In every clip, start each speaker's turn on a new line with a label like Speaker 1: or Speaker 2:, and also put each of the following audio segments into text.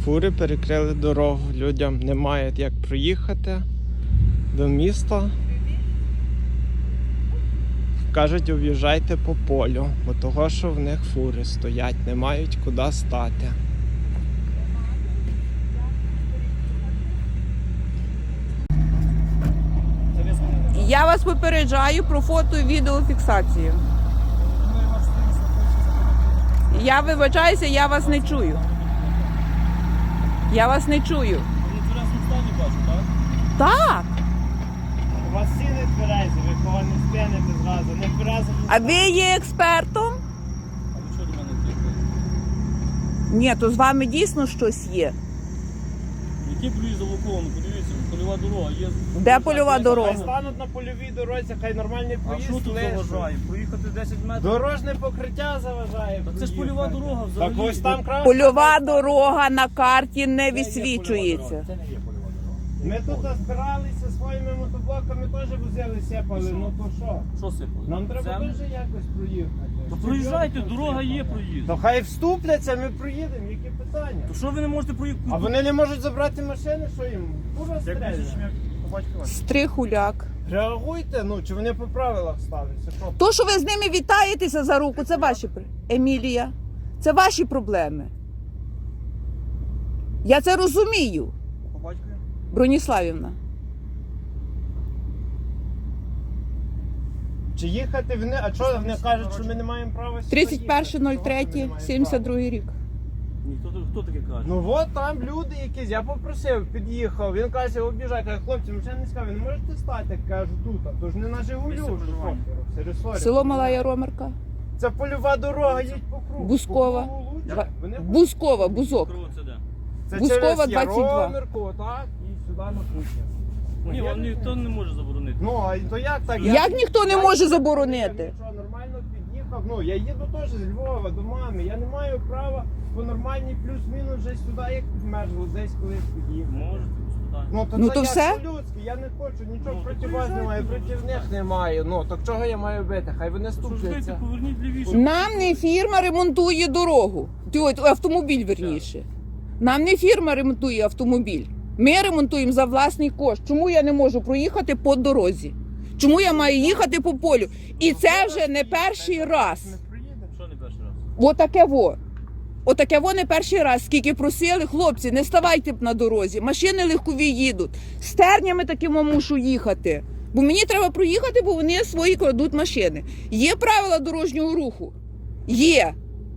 Speaker 1: фури перекрили дорогу. Людям немає як проїхати до міста. Кажуть, об'їжджайте по полю, бо того, що в них фури стоять, не мають куди стати.
Speaker 2: Я вас попереджаю про фото і відеофіксацію. Я вибачаюся, я вас не чую. Я вас не чую. Так.
Speaker 1: У вас всі не тверезі, ви кого не сп'яните зразу, не тверезі.
Speaker 2: А ви є експертом?
Speaker 3: А ви чого до мене тикаєте?
Speaker 2: Ні, то з вами дійсно щось є.
Speaker 3: Який проїзд Луковну? Подивіться, польова дорога є.
Speaker 2: Де польова дорога?
Speaker 1: Хай стануть на польовій дорозі, хай нормальний
Speaker 3: А що
Speaker 1: проїзд
Speaker 3: тут
Speaker 1: лише.
Speaker 3: заважає? Проїхати 10 метрів?
Speaker 1: Дорожне покриття заважає.
Speaker 3: Та це ж польова дорога взагалі.
Speaker 1: Так ось там краще.
Speaker 2: Польова дорога на карті не висвічується.
Speaker 3: Це не є польова дорога.
Speaker 1: Ми тут збиралися своїми мотоблоками, теж возили, сіпали, ну то що?
Speaker 3: Що сипали?
Speaker 1: Нам треба
Speaker 3: Землю?
Speaker 1: дуже якось проїхати.
Speaker 3: То проїжджайте, дорога є проїзд.
Speaker 1: То хай вступляться, ми проїдемо, які питання?
Speaker 3: То що ви не можете проїхати?
Speaker 1: А вони не можуть забрати машини, що їм? Кура стріляє.
Speaker 2: Стрихуляк.
Speaker 1: Реагуйте, ну, чи вони по правилах ставляться? Що?
Speaker 2: То, що ви з ними вітаєтеся за руку, це ваші Емілія. Це ваші проблеми. Я це розумію,
Speaker 3: По батькові?
Speaker 2: Броніславівна.
Speaker 1: Чи їхати в не... А чого вони кажуть, що ми не маємо права сюди їхати?
Speaker 2: 31.03.72 рік.
Speaker 3: Ні, хто таке каже?
Speaker 1: Ну от там люди якісь, я попросив, під'їхав, він каже, обіжай, каже, хлопці, ми ще не сказав, ви не можете стати, кажу, тут, а то ж не на Жигулю,
Speaker 3: Місце проживання.
Speaker 2: Село Мала Яромирка.
Speaker 1: Це польова дорога, їдь по кругу.
Speaker 2: Бускова.
Speaker 1: По кругу Луцька. Вони
Speaker 2: Бузкова, Бузок.
Speaker 3: Кров це де?
Speaker 1: Це
Speaker 2: Бускова,
Speaker 1: через
Speaker 2: 22.
Speaker 1: Яромирку, отак, і сюди на кухню.
Speaker 3: Ні, вам ніхто не може заборонити.
Speaker 1: Ну, а то як так?
Speaker 2: Як ніхто не може заборонити?
Speaker 1: Я нічого, нормально під'їхав, ну, я їду теж з Львова до мами, я не маю права по нормальній плюс-мінус вже сюди, як в Межгу, десь колись під'їхав.
Speaker 3: Можете, без питань.
Speaker 1: Ну, то
Speaker 2: Ну,
Speaker 1: це
Speaker 2: то
Speaker 1: як
Speaker 2: все?
Speaker 1: по-людськи, я не хочу, нічого
Speaker 3: Ну,
Speaker 1: проти
Speaker 3: то
Speaker 1: вас немає,
Speaker 3: приїжджайте,
Speaker 1: проти них немає. Ну, так чого я маю бити? Хай вони
Speaker 3: Що ж дайте,
Speaker 1: ступляться.
Speaker 3: поверніть лівіше.
Speaker 2: Нам не фірма ремонтує дорогу. Автомобіль, верніше. Нам не фірма ремонтує автомобіль. Ми ремонтуємо за власний кошт. Чому я не можу проїхати по дорозі? Чому я маю їхати по полю? І це вже не перший раз.
Speaker 1: Ми приїдемо.
Speaker 3: Що не перший раз?
Speaker 2: Отаке во. Отаке во не перший раз. Скільки просили, хлопці, не ставайте на дорозі. Машини легкові їдуть. З тернями такими мушу їхати. Бо мені треба проїхати, бо вони свої кладуть машини. Є правила дорожнього руху? Є.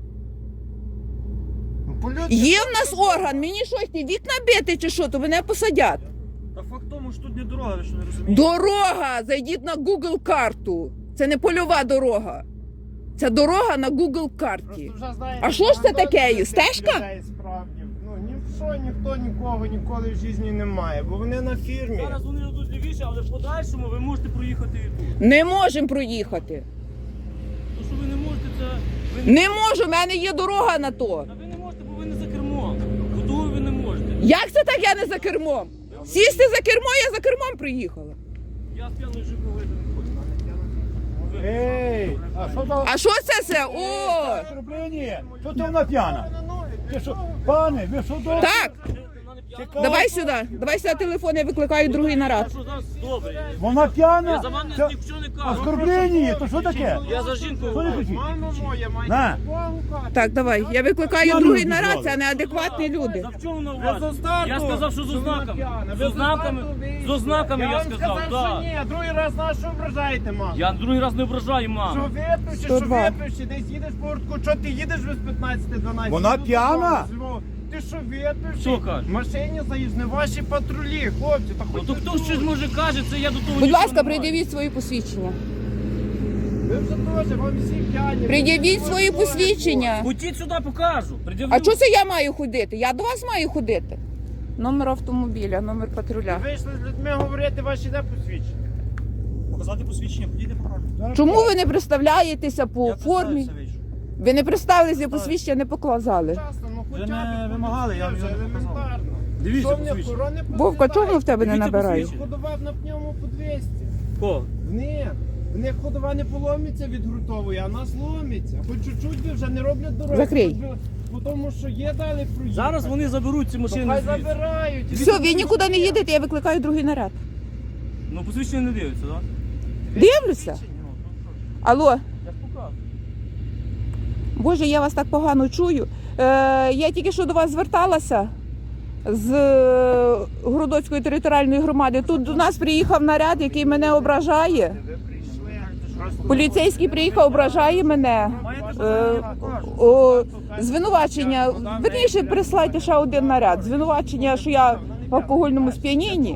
Speaker 1: Ну, по-людськи.
Speaker 2: Є в нас орган, мені щось, ті вікна бити чи що, то мене посадять.
Speaker 3: Та факт в тому, що тут не дорога, ви що не розумієте?
Speaker 2: Дорога! Зайдіть на Google карту. Це не польова дорога. Це дорога на Google карті.
Speaker 1: Просто вже, знаєте,
Speaker 2: А що ж це
Speaker 1: багато
Speaker 2: таке?
Speaker 1: таких
Speaker 2: Стежка?
Speaker 1: людей справді. Ну, ні в що, ніхто нікого ніколи в житті не має, бо вони на фірмі.
Speaker 3: Зараз вони йдуть лівіше, але в подальшому ви можете проїхати і тут.
Speaker 2: Не можемо проїхати.
Speaker 3: То, що ви не можете, це... Ви
Speaker 2: Не можу, в мене є дорога на то.
Speaker 3: Та ви не можете, бо ви не за кермом. До того ви не можете.
Speaker 2: Як це так я не за кермом? Сісти за кермо, я за кермом приїхала.
Speaker 3: Я з п'яною жінкою вийти не хочу.
Speaker 4: Ей, а що за
Speaker 2: А що це все? О!
Speaker 4: оскорблення? Що це вона п'яна? Ви що, пане, ви що до...
Speaker 2: Так, давай сюди. Давай сюди телефон, я викликаю другий наряд.
Speaker 3: Що зараз добре.
Speaker 4: Вона п'яна?
Speaker 3: Я за вами
Speaker 4: Це
Speaker 3: нічого не кажу.
Speaker 4: оскорблення, то що таке?
Speaker 3: Я за жінкою
Speaker 4: Що не
Speaker 3: говорю.
Speaker 4: кричіть?
Speaker 1: Мамо моя, має
Speaker 4: На.
Speaker 1: Богу кажу.
Speaker 2: Так, давай. Я викликаю
Speaker 4: Я
Speaker 2: другий
Speaker 4: люблю
Speaker 2: наряд,
Speaker 4: вас.
Speaker 2: це неадекватні люди.
Speaker 3: За в чому на
Speaker 1: Ви
Speaker 3: увазі?
Speaker 1: з остатку,
Speaker 3: Я сказав, що з
Speaker 1: що вона
Speaker 3: ознаками.
Speaker 1: п'яна.
Speaker 3: З
Speaker 1: Ви
Speaker 3: ознаками,
Speaker 1: остатку вийшли.
Speaker 3: з ознаками я
Speaker 1: вам
Speaker 3: сказав,
Speaker 1: що
Speaker 3: так.
Speaker 1: ні, другий раз на що ображаєте, маму?
Speaker 3: Я другий раз не ображаю
Speaker 1: Що
Speaker 3: маму.
Speaker 1: випивши, що
Speaker 2: 102.
Speaker 1: випивши, десь їдеш по гуртку, що ти їдеш без 15-12?
Speaker 4: Вона
Speaker 1: Ти
Speaker 4: п'яна?
Speaker 1: додому, з Львова. Ти що випивши?
Speaker 3: Що кажеш?
Speaker 1: В машині заїзд, не ваші патрулі, хлопці, та
Speaker 3: Ну
Speaker 1: хоч
Speaker 3: то
Speaker 1: не
Speaker 3: хто
Speaker 1: тут.
Speaker 3: щось може каже, це я до того
Speaker 2: Будь
Speaker 3: нічого
Speaker 2: ласка,
Speaker 3: не маю.
Speaker 2: пред'явіть свої посвідчення.
Speaker 1: Ви вже теж, вам всі п'яні.
Speaker 2: Пред'явіть
Speaker 1: Ви
Speaker 2: свої
Speaker 1: теж,
Speaker 2: посвідчення.
Speaker 3: Ходіть сюди, покажу. Пред'явлю.
Speaker 2: А чого це я маю ходити? Я до вас маю ходити. Номер автомобіля, номер
Speaker 1: Ви
Speaker 2: патруля.
Speaker 1: вийшли з людьми говорити, ваші де посвідчення?
Speaker 3: Показати посвідчення, ходіть, покажу.
Speaker 2: Чому ви не представляєтеся по формі? Ви не представилися, посвідчення не показали.
Speaker 1: Часто, ну
Speaker 3: Ви
Speaker 1: хоча
Speaker 3: не
Speaker 1: б
Speaker 3: вимагали, я
Speaker 1: вже
Speaker 3: вже показав.
Speaker 1: елементарно.
Speaker 3: Дивіться
Speaker 1: Що мені
Speaker 3: посвідчення.
Speaker 1: охорони
Speaker 2: Вовка, чому в тебе не
Speaker 3: Дивіться
Speaker 2: набирає?
Speaker 3: посвідчення.
Speaker 1: Ходував на пневму по 200.
Speaker 3: Ко?
Speaker 1: Ні. В них ходова не поломиться від грунтової, а нас ломиться. Хоч чуть-чуть би вже не роблять дороги.
Speaker 2: Закрий.
Speaker 1: Хоч би, бо тому що є далі проїхати.
Speaker 3: Зараз вони заберуть ці
Speaker 1: То
Speaker 3: машини
Speaker 1: хай
Speaker 3: звідси.
Speaker 1: забирають.
Speaker 2: Все, ви нікуди не їдете, я викликаю другий наряд.
Speaker 3: Ну, посвідчення не дивиться, так?
Speaker 2: Дивлюся. Алло,
Speaker 3: Я ж показую.
Speaker 2: Боже, я вас так погано чую. Я тільки що до вас зверталася з Городоцької територіальної громади. Тут до нас приїхав наряд, який мене ображає.
Speaker 1: Ви прийшли. Просто
Speaker 2: Поліцейський приїхав, ображає мене. Звинувачення. Верніше, прислайте ще один наряд. Звинувачення, що я в алкогольному сп'янінні.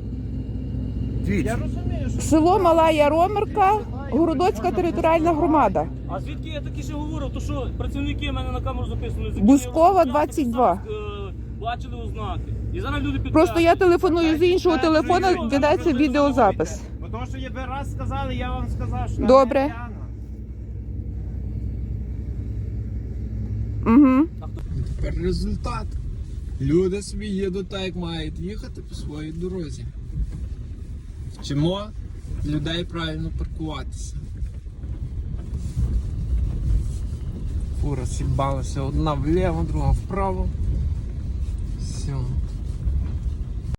Speaker 1: я розумію, що
Speaker 2: Село Мала Яромирка, Городоцька територіальна громада.
Speaker 3: А звідки я таки ще говорив? То що працівники в мене на камеру записували?
Speaker 2: Бускова, 22.
Speaker 3: Бачили ознаки. І зараз люди підтверджують.
Speaker 2: Просто я телефоную з іншого телефону, ведеться відеозапис.
Speaker 1: Бо тому що ви раз сказали, я вам сказав, що
Speaker 2: Добре.
Speaker 1: вона п'яна.
Speaker 2: Угу.
Speaker 1: Тепер результат. Люди собі їдуть так, як мають їхати по своїй дорозі. Вчимо людей правильно паркуватися. Фура сібалася одна вліво, друга вправо. Все.